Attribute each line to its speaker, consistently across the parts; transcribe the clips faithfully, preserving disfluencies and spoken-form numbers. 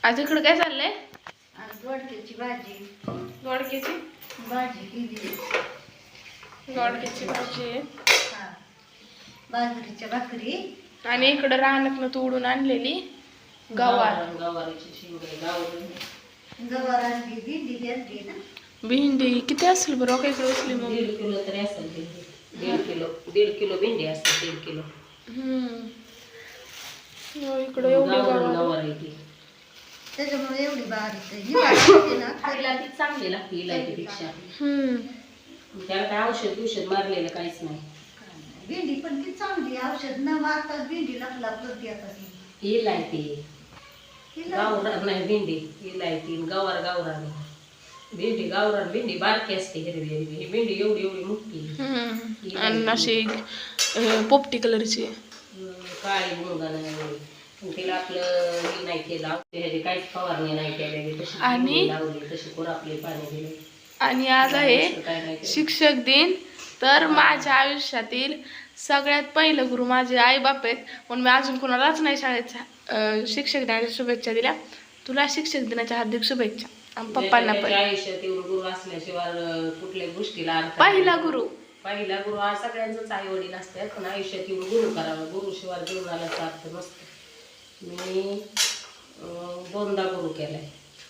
Speaker 1: आज इकडे काय चाललंय?
Speaker 2: आज दोडक्याची भाजी.
Speaker 1: दोडक्याची
Speaker 2: भाजी केली.
Speaker 1: दोडक्याची भाजी
Speaker 2: हा, बाजरीच्या भाकरी.
Speaker 1: आणि इकडे रानातनं तोडून आणलेली गवार.
Speaker 3: गवारीची शेंगे गावरी
Speaker 2: गवार आणली, भेंडी आणली ना.
Speaker 1: भेंडी किती असेल बरं काय इकडे असली मग?
Speaker 3: दीड किलो तरी असेल भेंडी. दीड किलो दीड किलो भेंडी असते. दीड किलो
Speaker 1: हम्म इकडे एवढी गवार
Speaker 3: गवार आहे ती.
Speaker 2: त्याच्यामुळे एवढी बारीक आहे. ही भाजी ना
Speaker 3: खायला ती चांगली लागते इलायचीपेक्षा.
Speaker 1: हम्म
Speaker 3: त्याला काय औषध औषध मारलेलं काहीच नाही.
Speaker 2: भेंडी पण ती चांगली, औषध न मारता भेंडी लागला प्रति आता ती
Speaker 3: इलायती गावरान नाही भेंडी. इलायती गवार गावरान. भेंडी गावरान भेंडी बारकी असते हिरवी हिरवी. ही भेंडी एवढी एवढी मोठी.
Speaker 1: हम्म आणि अशी अं, पोपटी कलरची.
Speaker 3: काळी मुंगा नाही. तिला आपलं हे नाही केलं, ह्याची काहीच फवारणी नाही केलेली. तशी
Speaker 1: आणि
Speaker 3: भेंडी लावली, तशी कोरापले पाणी दिले.
Speaker 1: आणि आज आहे
Speaker 3: काय नाही केलं.
Speaker 1: शिक्षक दिन. तर माझ्या आयुष्यातील सगळ्यात पहिलं गुरु माझे आई बाप आहेत. म्हणून मी अजून कोणालाच नाही शाळेत अं, शिक्षक दिनाच्या शुभेच्छा दिल्या. तुला शिक्षक दिनाच्या हार्दिक शुभेच्छा. आणि पप्पांना पण.
Speaker 3: आयुष्यात एवढं गुरु असल्याशिवाय कुठल्या गोष्टीला अर्थ
Speaker 1: पहिला गुरु
Speaker 3: पहिला गुरु हा सगळ्यांचाच आई वडील असतात. पण आयुष्यात एवढं गुरु करावं. गुरु शिवाय जीवनाला अर्थ नसतो. मी अं, दोनदा गुरु केलाय.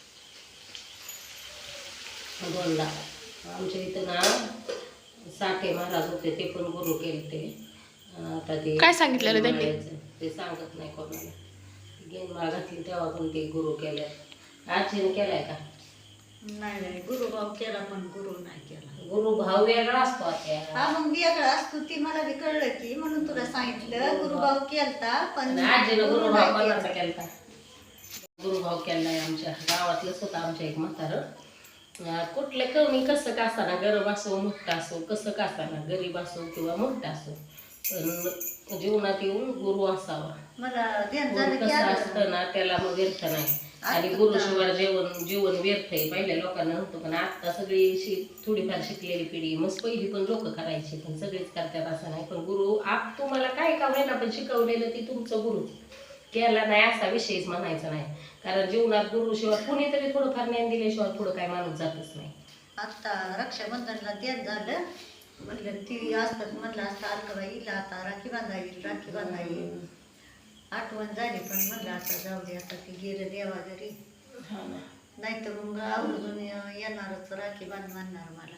Speaker 3: दोनदा आमच्या इथं ना साठे महाराज होते, ते पण गुरु केले ते. आता ते
Speaker 1: काय सांगितलेलं त्यांनी?
Speaker 3: ते सांगत नाही कोणाला. गेनमाळ घातली तेव्हा पण ते गुरु केले. आजीने केलाय का?
Speaker 2: नाही नाही, गुरुभाव केला पण गुरु नाही केला.
Speaker 3: गुरु भाव वेगळा असतो आता.
Speaker 2: हा मग वेगळा असतो, ती मला बी कळलं की म्हणून तुला सांगितलं. गुरुभाव केलता पण
Speaker 3: आजीनं
Speaker 2: गुरु
Speaker 3: गुरुभाव
Speaker 2: नाही
Speaker 3: कोणाचा
Speaker 2: केला.
Speaker 3: केलता? गुरुभाव केलाय आमच्या गावातलंच होतं. आमच्या एक म्हातारं कुठले कमी कसं का असताना, गरीब असो मोठा असो, कसं का असताना, गरीब असो किंवा मोठा असो, पण जीवनात येऊन गुरु असावा.
Speaker 2: मला ध्यान
Speaker 3: गुरु
Speaker 2: झालं की
Speaker 3: कसं
Speaker 2: आलं.
Speaker 3: असतं ना त्याला मग व्यर्थ नाही. आणि गुरुशिवाय जेवण जीवन व्यर्थ आहे. पहिल्या लोकांना नव्हतं, पण आता सगळी शि थोडीफार शिकलेली पिढी. मग पहिली पण लोक करायची, पण सगळेच करतात असं नाही. पण गुरु आप तुम्हाला काय का होईना पण शिकवलेलं ती तुमचं गुरु केला नाही असा विषयच म्हणायचा नाही. कारण जीवनात गुरुशिवाय कुणीतरी थोडंफार ज्ञान दिल्याशिवाय पुढं काय माणूस जातच नाही.
Speaker 2: आता रक्षाबंधनला ध्यान झालं, म्हणलं ती असतात म्हणलं असतं अलकाबाईला आता राखी बांधा येईल, राखी बांधा येईल. आठवण झाली पण म्हणलं आता जाऊ दे, आता ती गेलं देवा घरी. नाही तर मग आवर्जून येणारच राखी बांध म्हणणार मला.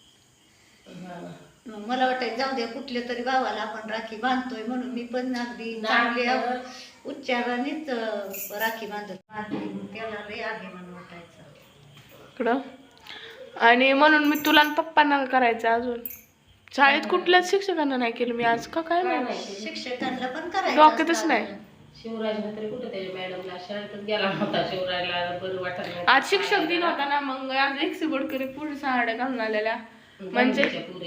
Speaker 2: मग मला वाटायचं जाऊ द्या कुठल्या तरी भावाला आपण राखी बांधतोय म्हणून मी पण अगदी चांगल्या उच्चारानेच राखी बांधत बांधली. मग त्याला लय अभिमान वाटायचा
Speaker 1: इकडं. आणि म्हणून मी तुला आणि पप्पांना करायचं. अजून शाळेत कुठल्याच शिक्षकांना नाही केलं मी आज. का काय माहिती,
Speaker 2: शिक्षकांना पण करायचं
Speaker 1: डोक्यातच
Speaker 2: असतं.
Speaker 1: नाही.
Speaker 3: शिवराजला तरी कुठे त्याच्या मॅडमला शाळेतच गेला होता. शिवराजला बरं वाटत नाही.
Speaker 1: आज शिक्षक दिन होता ना, मग आज एक बोडकरी पुढे साड्या घालून आलेल्या. म्हणजे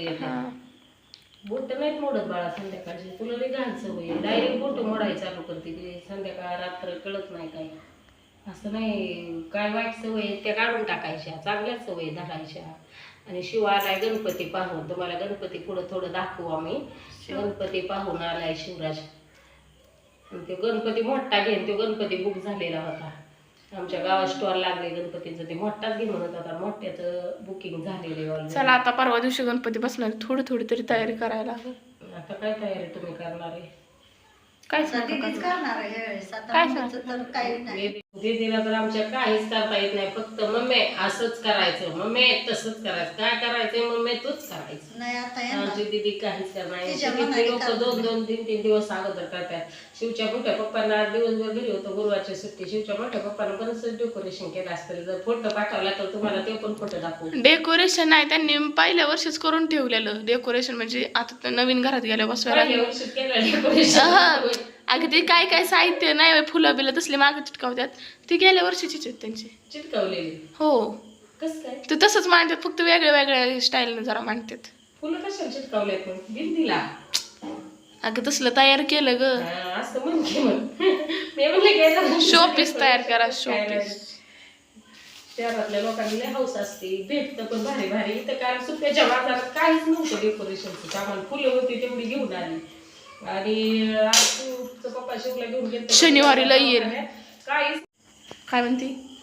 Speaker 3: बोट नाहीत मोडत बाळा संध्याकाळची. तुला लई घाल सवय. डायरेक्ट बोट मोडायची चालू करते ते. संध्याकाळ रात्र कळत नाही काही. असं नाही काय वाईट सवय त्या काढून टाकायच्या, चांगल्याच सवयी धरायच्या. आणि शिव आलाय गणपती पाहून. तुम्हाला गणपती पुढं थोडं दाखवू आम्ही. गणपती पाहून आलाय शिवराज. ते गणपती मोठा घेऊन तो गणपती बुक झालेला होता. आमच्या गावात स्टॉल लागले गणपतीचं. ते मोठाच घे म्हणत होता. मोठ्याचं बुकिंग झालेले.
Speaker 1: चला आता परवा दिवशी गणपती बसणार, थोडी थोडी तरी तयारी करायला लागेल.
Speaker 3: आता काय तयारी तुम्ही करणार आहे?
Speaker 1: काय
Speaker 2: दीदीच करणार आहे यावेळेस. आता
Speaker 1: काय
Speaker 2: आमचं तर काही नाही.
Speaker 3: दीदीला तर आमच्या काहीच करता येत नाही. फक्त मम्मी असंच करायचं, मम्मी तसंच करायचं. काय करायचंय मम्मी तूच करायचं.
Speaker 2: नाही आता येणार.
Speaker 3: आमची दीदी काहीच करणार
Speaker 2: तिच्या
Speaker 3: नाही.
Speaker 2: मनाने
Speaker 3: लोक
Speaker 2: करणार.
Speaker 3: दोन दोन तीन तीन दिवस अगोदर करतात. शिवच्या मोठ्या पप्पांना दिवसभर घरी होतं गुरुवारची सुट्टी. शिवच्या मोठ्या पप्पांना बरंच डेकोरेशन केलं असतं. जर फोटो पाठवला तर तुम्हाला ते पण फोटो दाखवू.
Speaker 1: डेकोरेशन नाही, त्यांनी पहिल्या वर्षीच करून ठेवलेलं डेकोरेशन. म्हणजे आता नवीन घरात गेल्या बसवायला
Speaker 3: पहिल्या वर्षी केलं डेकोरेशन.
Speaker 1: अगदी काय काय साहित्य नाही, फुलं बिलं तसले मागे चिटकावतात. ती गेल्या वर्षीचीच आहेत त्यांची
Speaker 3: चिटकवलेली.
Speaker 1: हो.
Speaker 3: कसं काय?
Speaker 1: ते तसंच मांडतात, फक्त वेगळ्या वेगळ्या स्टाईलने जरा मांडतात.
Speaker 3: फुलं कशाला चिटकवल्यात मग भिंतीला?
Speaker 1: अगं तसलं तयार केलं ग.
Speaker 3: असं म्हण की म्हण. मी म्हणलं
Speaker 1: शोपीस तयार करा, शोपीस.
Speaker 3: शहरातल्या लोकांना लय हौस असते. भेटतं पण भारी भारी. इथं कारण सुट्ट्याच्या बाजारात काहीच नव्हतं डेकोरेशनचं. आम्हाला फुलं होती तेवढी घेऊन आली. आणि पप्पा शिवला घेऊन गेले
Speaker 1: शनिवारीला येईल.
Speaker 3: काहीच
Speaker 1: काय म्हणती?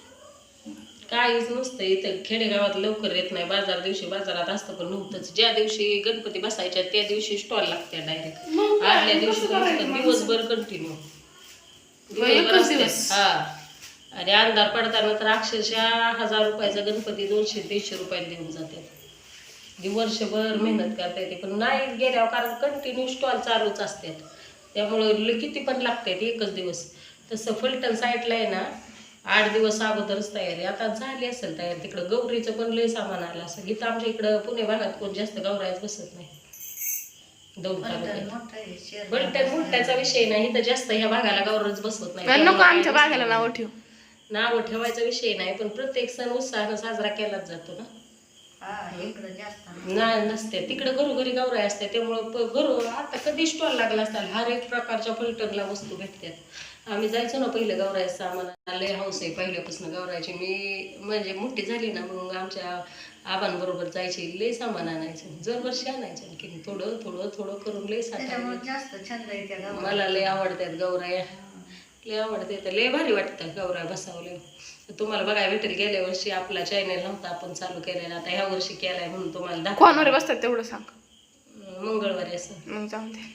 Speaker 3: काहीच नसतं इथं खेडेगावात लवकर येत नाही. बाजार दिवशी बाजारात असतं पण नव्हतंच. ज्या दिवशी गणपती बसायच्या त्या दिवशी स्टॉल लागते डायरेक्ट. आदल्या दिवशी नसतं, दिवसभर कंटिन्यू
Speaker 1: एकच दिवस.
Speaker 3: हा. आणि अंधार पडताना तर अक्षरशः हजार रुपयाचा गणपती दोनशे दीडशे रुपयाला देऊन जातात. वर्षभर मेहनत करता येते पण नाही गेल्यावर, कारण कंटिन्यू स्टॉल चालूच असतात. त्यामुळं ल- किती पण लागतात एकच दिवस. तसं फलटण साईडला आहे ना, आठ दिवस अगोदरच तयारी. आता झाली असेल तयारी. तिकडं गौरीचं पण लय सामान आलं असेल. इथं आमच्या इकडं पुणे भागात कोण जास्त गौरायच बसत नाही. दोन तालुक्यात फलटण मोठ्याचा विषय नाही, इथं जास्त ह्या भागाला गौरच बसवत नाही.
Speaker 1: नको आमच्या बागाला नाव ठेव.
Speaker 3: नाव ठेवायचा विषय नाही, पण प्रत्येक सण उत्साहानं साजरा केलाच जातो ना.
Speaker 2: हा इकडं जास्त
Speaker 3: नाही नसते तिकडं घरोघरी गौराई असते. त्यामुळं प- घरो आता कधी स्टॉल लागला असताल हर एक प्रकारच्या फलटणला वस्तू भेटतात. आम्ही जायचो ना पहिलं गौरायचं आम्हाला लय हौस आहे पहिल्यापासून गौरायची. मी म्हणजे मोठी झाली ना मग आमच्या आबांबरोबर जायची, लय सामान आणायचं. दरवर्षी आणायचं की थोडं थोडं थोडं करून लय
Speaker 2: त्याच्यामुळे
Speaker 3: साठा.
Speaker 2: जास्त छंद आहे त्या गावाला.
Speaker 3: मला लय आवडतात गौराया, लय आवडते. तर लय भारी वाटतं गौराय बसावले. तुम्हाला बघायला भेटेल. गेल्या वर्षी आपला चॅनल नव्हता आपण चालू केलेला, आता ह्या वर्षी केलाय म्हणून तुम्हाला दाखव.
Speaker 1: कोणावर बसतात तेवढं सांग.
Speaker 3: मंगळवारी असं.
Speaker 1: मग जाऊन दे.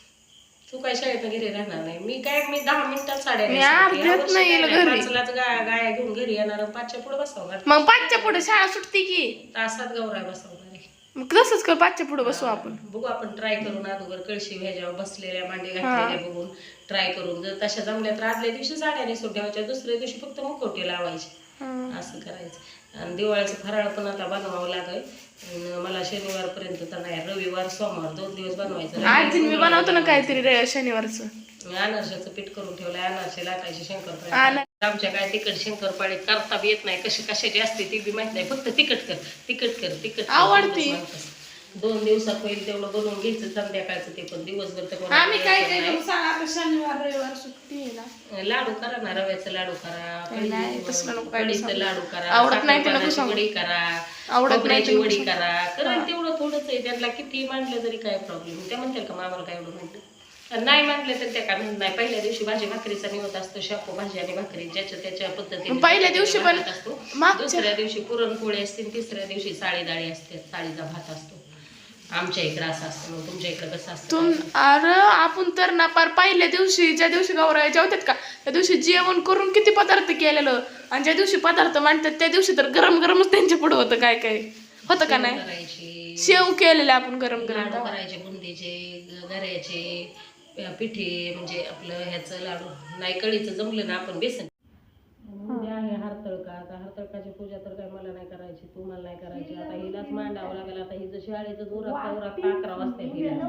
Speaker 3: तू काय शाळेत घरी राहणार नाही. मी काय मी दहा मिनिटात साड्या
Speaker 1: मी
Speaker 3: नेसते.
Speaker 1: अर्ध्यात
Speaker 3: ह्या वर्षी
Speaker 1: नाही
Speaker 3: काय
Speaker 1: येईल
Speaker 3: नाही,
Speaker 1: घरी.
Speaker 3: पाचलाच गाया गाया घेऊन घरी येणार आणि पाचच्या पुढे बसवणार.
Speaker 1: मग पाचच्या पुढे शाळा सुटते की.
Speaker 3: तासात गौराय बसवणार आहे.
Speaker 1: मग तसंच कर, पाचच्या पुढे बसू आपण.
Speaker 3: बघू आपण ट्राय करून अगोदर कळशी ह्याच्यावर बसलेल्या मांडी घातलेल्या बघून ट्राय करून. जर तशा जमल्या तर आदल्या दिवशी साड्या नेसून ठेवायच्या, दुसऱ्या दिवशी फक्त मुखवटे लावायचे. असं करायचं. आणि दिवाळीचं फराळ पण आता बनवावं लागेल. अन मला शनिवारपर्यंत तर नाही, रविवार सोमवार दोन दिवस बनवायचं.
Speaker 1: आज मी बनवतो ना काहीतरी रे- शनिवारचं.
Speaker 3: अनारशाचं पीठ करून ठेवलंय. अनारसे लाटायचे, शंकरपाळे.
Speaker 1: आना-
Speaker 3: आमच्या काय तिखट शंकरपाळे करता बी येत नाही. कशी कशाची असते ती बी माहित नाही. फक्त तिखट कर तिखट कर तिखट कर.
Speaker 1: आवडते.
Speaker 3: एवढंच म्हणतात. दोन दिवसात होईल तेवढं बनवून घ्यायचं संध्याकाळचं. ते पण दिवसभर तर कोणाला
Speaker 1: आम्ही काय
Speaker 3: यायचं
Speaker 1: काय
Speaker 3: नाही.
Speaker 1: करू सांग, आता शनिवार रविवार सुट्टी आहे ना.
Speaker 3: लाडू करा ना, रव्याचं लाडू करा,
Speaker 1: नाही, तसलं नको काय
Speaker 3: कढीचं
Speaker 1: सांगू.
Speaker 3: लाडू करा,
Speaker 1: आवडत नाही ते नको
Speaker 3: साखरपाण्याची
Speaker 1: सांगू.
Speaker 3: वडी करा,
Speaker 1: आवडत नाही
Speaker 3: खोबऱ्याची
Speaker 1: ते नको
Speaker 3: वडी
Speaker 1: सांगू.
Speaker 3: करा. कारण तेवढं थोडंच आहे. त्यांना किती मांडलं तरी काय प्रॉब्लेम. त्या म्हणतील का आम्हाला काय एवढं म्हणलं. नाही मांडले तर त्या काय म्हणत नाही. पहिल्या दिवशी भाजी भाकरीचा निवत असतो, शापू भाजी आणि भाकरी ज्याच्या त्याच्या पद्धतीने
Speaker 1: पहिल्या दिवशी पण
Speaker 3: असतो.
Speaker 1: मागच्या-
Speaker 3: दुसऱ्या दिवशी पुरणपोळी असते, तिसऱ्या दिवशी साळी डाळी असते, साळीचा भात असतो. आमच्या इकडं असं असतं. मग तुमच्या इकडं कसं असतं?
Speaker 1: तुम अरे आपण तर ना पार पहिल्या दिवशी ज्या दिवशी गौराया जेवतात का त्या दिवशी जेवण करून किती पदार्थ केलेलं, आणि ज्या दिवशी पदार्थ मांडतात त्या दिवशी तर गरम गरमच त्यांच्या पुढे होतं. काय काय होतं का नाही?
Speaker 3: करायची
Speaker 1: शेव केलेले आपण गरम गरम.
Speaker 3: लाडू करायचे, बुंदीचे, गऱ्याचे, पिठी म्हणजे आपलं ह्याचं लाडू नाही. कळीचं जमलं ना आपण बेसन. उद्या आहे हरतळका. आता हरतळकाची पूजा तर काय मला नाही करायची, तू मला नाही करायची. आता हिलाच मांडावं लागेल. आता हिचं शाळेचं उरकता उरकता अकरा वाजता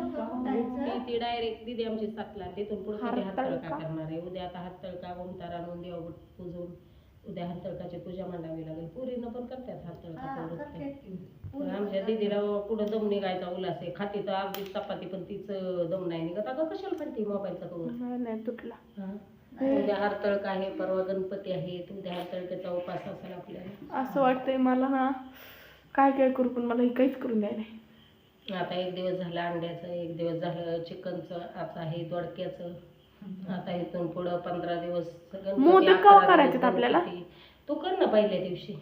Speaker 3: हिला ती डायरेक्ट दिदी आमची सातला. तिथून पुढे हरतळका करणार आहे. उद्या आता हरतळका ओमतार आणून देव पूजून उद्या हरतळकाची पूजा मांडावी लागेल. पुरीनं पण करतात हरतळका. पण आमच्या दीदीला पुढं दम निघायचा उल्हास आहे. खाती तर अर्धी चपाती पण तिचं दम नाही निघत. अगं कशाला म्हणते मोबाईलचा कवर.
Speaker 1: नाही तुटला.
Speaker 3: हा. उद्या हरतळका आहे, परवा गणपती आहेत. उद्या हरतळकेचा उपास असेल आपल्याला.
Speaker 1: असं वाटतंय मला ना काय काय करू, पण मला हे काहीच करून द्याय नाही.
Speaker 3: आता एक दिवस झालं अंड्याचं, एक दिवस झालं चिकनचं, आता आहे दोडक्याचं. आता इथून पुढं पंधरा दिवस गणपती,
Speaker 1: मोदक
Speaker 3: अकरा
Speaker 1: केव्हा
Speaker 3: दिवस
Speaker 1: करायचेत आपल्याला?
Speaker 3: गणपती. तू कर ना पहिल्या दिवशी.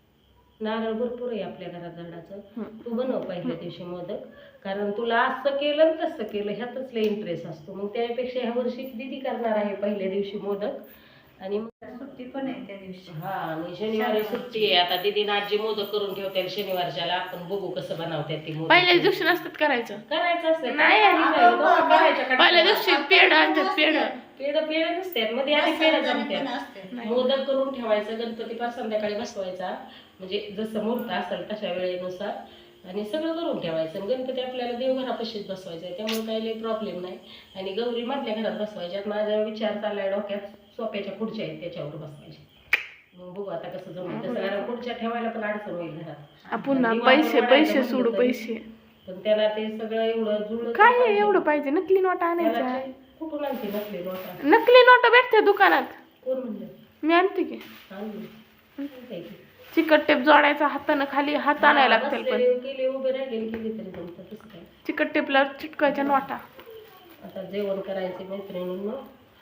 Speaker 3: नारळ भरपूर आहे आपल्या घरात झाडाचं. तू बनव पहिल्या दिवशी मोदक. कारण तुला असं केलं आणि तसं केलं ह्यातच लय इंटरेस्ट असतो. मग त्यापेक्षा ह्या वर्षी दीदी करणार आहे पहिल्या दिवशी मोदक. आणि मग
Speaker 2: सुट्टी पण आहे त्या दिवशी.
Speaker 3: हा, आणि शनिवारी सुट्टी आहे. आता दीदीनं आजी मोदक करून ठेवते शनिवारच्याला. आपण बघू कसं बनवतात ते मोदक.
Speaker 1: पहिल्या दिवशी नसतात करायचं.
Speaker 3: करायचं असतं
Speaker 1: नाही,
Speaker 3: करायचं.
Speaker 1: पहिल्या दिवशी पेढ आणतात. पेढ
Speaker 3: पेढ पेढ नसतात मध्ये आधी पेढ
Speaker 2: पण
Speaker 3: जमतात.
Speaker 2: असते.
Speaker 3: मोदक करून ठेवायचं, गणपती पार संध्याकाळी बसवायचा. म्हणजे जसं मुहूर्त असेल तशा वेळेनुसार आणि सगळं करून ठेवायचं. गणपती आपल्याला देवघरापाशीच बसवायचा आहे, त्यामुळे काही प्रॉब्लेम नाही. आणि गौरी मधल्या घरात बसवायच्यात. माझा विचार चाललाय डोक्यात, सोप्याच्या खुर्च्या आहेत त्याच्यावर बसवायच्या. मग बघू आता कसं जमलं तसं. कारण खुर्च्या ठेवायला पण अडचण होईल घरात.
Speaker 1: आपण ना पैसे पैसे सोडू पैसे.
Speaker 3: पण त्याला ते सगळं एवढं जुळलं
Speaker 1: काय आहे एवढं पाहिजे? नकली नोटा आणायच्या.
Speaker 3: त्याला कुठून आणते नसले नोटा?
Speaker 1: नकली नोटा भेटते दुकानात.
Speaker 3: कोण म्हणलं?
Speaker 1: मी आणते की.
Speaker 3: आणली. आणते की.
Speaker 1: चिकट टेप जोडायचा हातानं, खाली हात आणायला लागतील. पण
Speaker 3: बसलेले केले उभे राहिले केली तरी जमतं. तसं काय.
Speaker 1: चिकट टेपला चिटकायच्या नोटा.
Speaker 3: आता जेवण करायचे मैत्रिणींना.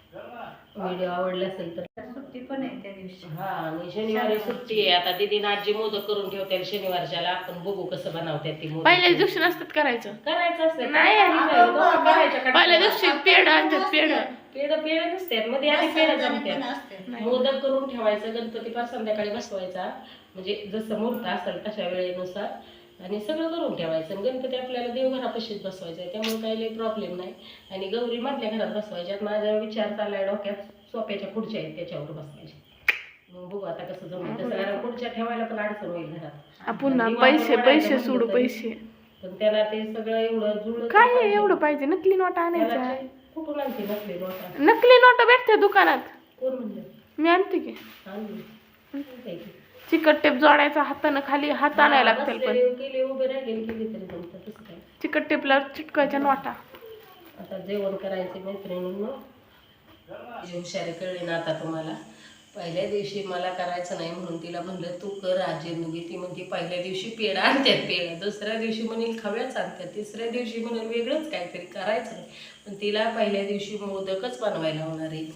Speaker 3: व्हिडिओ आवडला असेल तर
Speaker 2: सुट्टी पण आहे त्या दिवशी.
Speaker 3: हा, आणि शनिवारी सुट्टी आहे. आता दीदी आजी मोदक करून ठेवते शनिवारच्याला, आपण बघू कसं बनवतात ती मोदक.
Speaker 1: पहिल्याच दिवशी नसतात करायचं.
Speaker 3: करायचं असतं
Speaker 1: नाही,
Speaker 3: करायच्या
Speaker 1: पहिल्या दिवशी पेढ आणतात पेढ.
Speaker 3: पेढ पेढ नसतात मध्ये आधी पेढ
Speaker 2: पण
Speaker 3: जमतात.
Speaker 2: असते.
Speaker 3: मोदक करून ठेवायचं, गणपती पाच संध्याकाळी बसवायचा, म्हणजे जसं मुहूर्त असेल तशा वेळेनुसार, आणि सगळं करून ठेवायचं. आणि गणपती आपल्याला देवघरापाशीच बसवायचा आहे, त्यामुळे काही प्रॉब्लेम नाही. आणि गौरी मधल्या घरात बसवायच्यात. माझा विचार चाललाय डोक्यात, सोप्याच्या खुर्च्या आहेत त्याच्यावर बसवायच्या. मग बघू आता कसं जमलं तसं, कारण खुर्च्या ठेवायला पण अडचण होईल घरात.
Speaker 1: पुन्हा पैसे पैसे सोडू पैसे.
Speaker 3: पण त्याला ते सगळं एवढं जुळलं
Speaker 1: काय आहे एवढं पाहिजे? नकली नोटा आणायच्या.
Speaker 3: कुठून आणते नकली नोटा?
Speaker 1: नकली नोटा भेटते दुकानात.
Speaker 3: कोण म्हणलं?
Speaker 1: मी आणते की.
Speaker 3: आणली काय की?
Speaker 1: चिकट टेप जोडायचा हातानं, खाली हात आणायला लागतील. पण
Speaker 3: केली उभे राहिले केली तरी जमतं, तसं काय.
Speaker 1: चिकट टेपला चिटकायच्या नोटा.
Speaker 3: आता जेवण करायचे मैत्रिणींनो, हुशारी कळली ना आता तुम्हाला. पहिल्या दिवशी मला करायचं नाही म्हणून तिला म्हणलं तू कर आजीनुगी. ती म्हणते पहिल्या दिवशी पेढा आणतात पेढा, दुसऱ्या दिवशी म्हणेल खव्याच आणतात, तिसऱ्या दिवशी म्हणेल वेगळंच काहीतरी करायचं नाही. पण तिला पहिल्या दिवशी मोदकच बनवायला होणार आहे,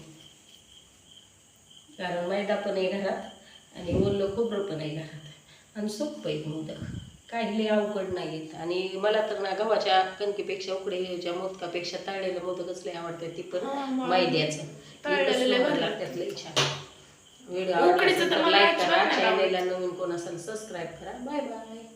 Speaker 3: कारण मैदा पण आहे घरात आणि ओलं खोबरं पण आहे घरात, आणि सोपं आहे मोदक, काही लय अवघड नाही आहेत. आणि मला तर ना गव्हाच्या कणकेपेक्षा उकडेच्या मोदकापेक्षा तळलेलं मोदकच लय आवडतं, ती पण मैद्याचं. लागतात लय छान. व्हिडिओ आवडला असेल तर लाईक करा, चॅनलला नवीन कोण असेल सबस्क्राईब करा. Bye bye.